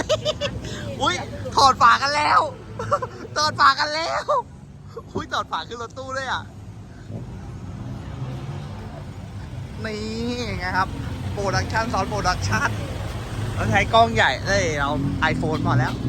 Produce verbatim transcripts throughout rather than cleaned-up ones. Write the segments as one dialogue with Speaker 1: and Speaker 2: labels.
Speaker 1: อุ้ยถอดฝากันแล้วถอดฝากันแล้วอุ้ยถอดฝาขึ้นรถตู้เลยอ่ะนี่ไงครับโปรดักชันซอนโปรดักชันเราใช้กล้องใหญ่เลยเราไอโฟนพอแล้ว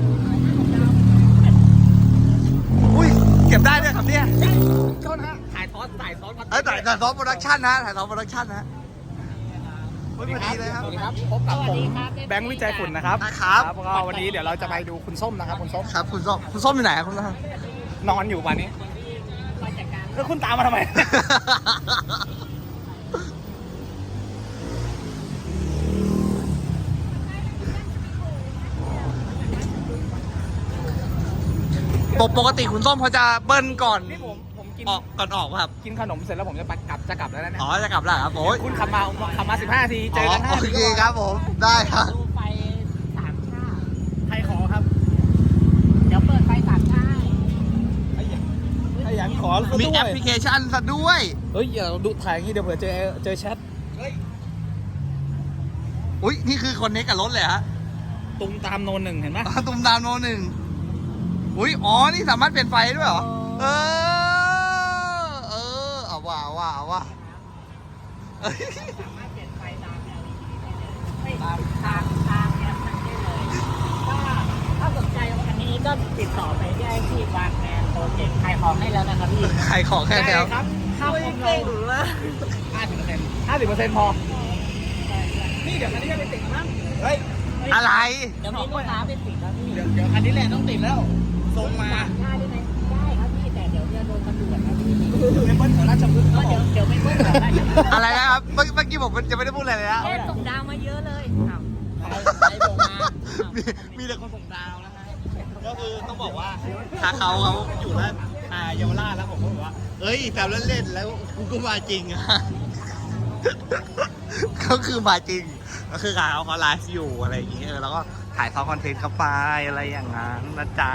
Speaker 1: อุ้ยเก็บได้ด้วยครับเนี่ย
Speaker 2: โทษนะถ่ายทอดถ่ายทอด
Speaker 1: เอ้ยถ่ายถ่ายซอนโปรดักชันนะถ่ายซอนโปรดักชันนะพอดีเลยครับ
Speaker 2: สวัสดีครับพบกับผมแบงค์วิจัยฝุ่นนะครับ
Speaker 1: นะครับ
Speaker 2: ก็วันนี้เดี๋ยวเราจะไปดูคุณส้มนะครับคุณส้ม
Speaker 1: ครับคุณส้มคุณส้มอยู่ไหนครับคุณส้ม
Speaker 2: นอนอยู่วันนี้แล้วคุณตามมาทำไม
Speaker 1: ปกติคุณส้มเขาจะเบิ้ลก่อน
Speaker 2: นี่ผมผมกิน
Speaker 1: ออกก่อนออกป่ะครับ
Speaker 2: กินขนมเสร็จแล้วผมจะไปกลับจะกลับแล้วนะเนี่ย
Speaker 1: อ๋อจะกลับแล้วครับโอ้ย
Speaker 2: คุณขับมาขับมาสิบห้านาทีเจอกันห้า
Speaker 1: โอ
Speaker 2: นาที
Speaker 1: เคครับผมได้ครับ
Speaker 3: ดูไฟสามชาติ
Speaker 2: ใครขอครับ
Speaker 3: เดี๋ยวเปิดไฟสามชาติ
Speaker 2: ไอ้ยันไอ้ยันขอซะ
Speaker 1: มี
Speaker 2: ด้วย
Speaker 1: แอปพลิเคชันซะด้วย
Speaker 2: เฮ้ยอย่าดูถ่ายอย่างนี้เดี๋ยวเผื่อเจอเจอแชท
Speaker 1: อุ้ยนี่คือคนเน็กกับรถเลยฮะ
Speaker 2: ตุงตามโนนหนึ่งเห็นไหม
Speaker 1: ตุ้มดาวโนหนึ่งอุ้ยอ๋อนี่สามารถเปลี่ยนไฟได้ด้วยเหรอเออเออเอาว่าเอาว่าเอาว่าเอ้ย
Speaker 3: สามารถเปลี่ยนไฟตาม แอล อี ดี ได้เลยไม่ตามตามตามแอปมันได้เลยถ้าถ้าสนใจอันนี้ก็ติดต่อไปได้ที่วางแมนโปรเจกต์ขายของให้แล้วนะครับพี่
Speaker 1: ใครขอแค่แล้ว
Speaker 2: ครับ
Speaker 3: ข้าวคมเรา
Speaker 2: ห้าสิบเปอร์เซ็นต์ห้าสิบเปอร์เซ็นต์พอ นี่เดี๋ยวคันนี้จะไปติดมั้งเฮ้ย
Speaker 1: อะไร
Speaker 3: เดี๋ยวมีลูกค้าเป็นติดแล้วพี่
Speaker 2: เดี๋ยวเดี๋ยวคันนี้แหละต้องติดแล้วส่งมา
Speaker 3: สามชาติได้ไหมได้ครับพี่แต่เดี๋ยวจะโดนตำรวจนะพี่
Speaker 2: เดี๋ยวเบิ้ลแถวราชพฤกษ์
Speaker 3: ก็
Speaker 2: เขาบ
Speaker 3: เดี๋
Speaker 2: อย ก
Speaker 3: วเดี๋ยวไม่เพิ่มแบบได้จะ
Speaker 1: อะไรนะครับเมื่อเมื่อกี้ผมจะไม่ได้พูดอะไรเลยนะ
Speaker 3: แค่ส่งดาวมาเยอะเลยอ้าวใครใครส่งมาอ้าว
Speaker 1: มีมีแต่คนส่งดาวนะฮะก็คือต้องบอกว่าถ้าเขาเขาอยู่แล้วอ่าเยาวราชแล้วผมก็บอกว่าเอ้ยแซวเล่นๆแล้วกูก็มาจริงอะ ก็คือมาจริงก็คือเขาเขาไลฟ์อยู่อะไรอย่างเงี้ยเออแล้วก็ถ่ายทอดคอนเทนต์เข้าไปอะไรอย่างนั้นนะจ๊ะ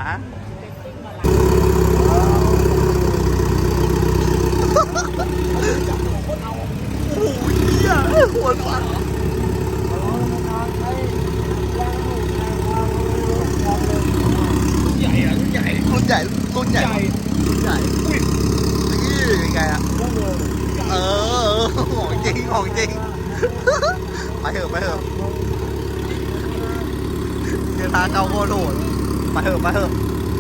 Speaker 1: โอ้ยเหี้ยหัวฟัน
Speaker 2: ใหญ่อะรุ่นใหญ่
Speaker 1: รุ่นใหญ่รุ่นใหญ่
Speaker 2: ใหญ่
Speaker 1: รุ่นใหญ่
Speaker 2: อุ้ย
Speaker 1: นี่ยังไงอะเออของจริงของจริงไปเถอะไปเถอะเดี๋ยวทางเขาโคตรโหดไปเถอะไปเถอะ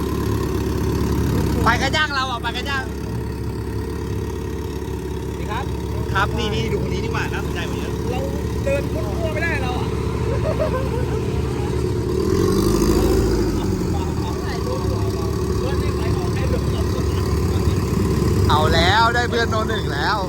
Speaker 1: ไปกระย่างเราอ่ะไปกระย่าง
Speaker 2: ดีครับ
Speaker 1: ครับนี่นี่ดูคนนี้ดีกว่าน่าสนใจกว่าเยอะ
Speaker 2: เราเดินพุทธวไม่ได้เราอ่ะ
Speaker 1: เอาแล้วได้เพื่อนโนหนึ่งแล้ว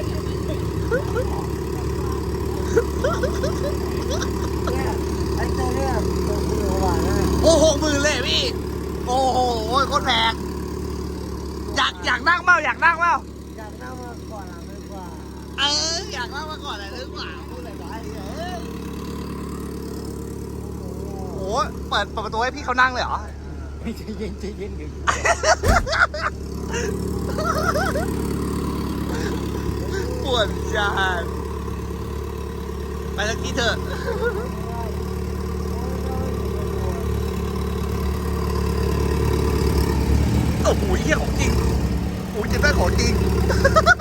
Speaker 1: โอ้โหหมื่นเลยพี่โอ้โหโคตรแพงอยากอยากนั่งเปล่าอยากนั่งเปล่า
Speaker 3: อยากนั่งมาก่อนหลังดีกว่า
Speaker 1: เอออยากนั่งมาก่อนอะไรหรือเปล่าพูดอะไรไปเออโอ้โหเปิดเปิดประตูให้พี่เขานั่งเลยเหรอ
Speaker 2: ไม่ใจเย็นใจเย็นอยู่
Speaker 1: ปวดจานไปสักทีเถอะโอ้โหเหี้ยของจริงโอ้ยจะได้ของจริง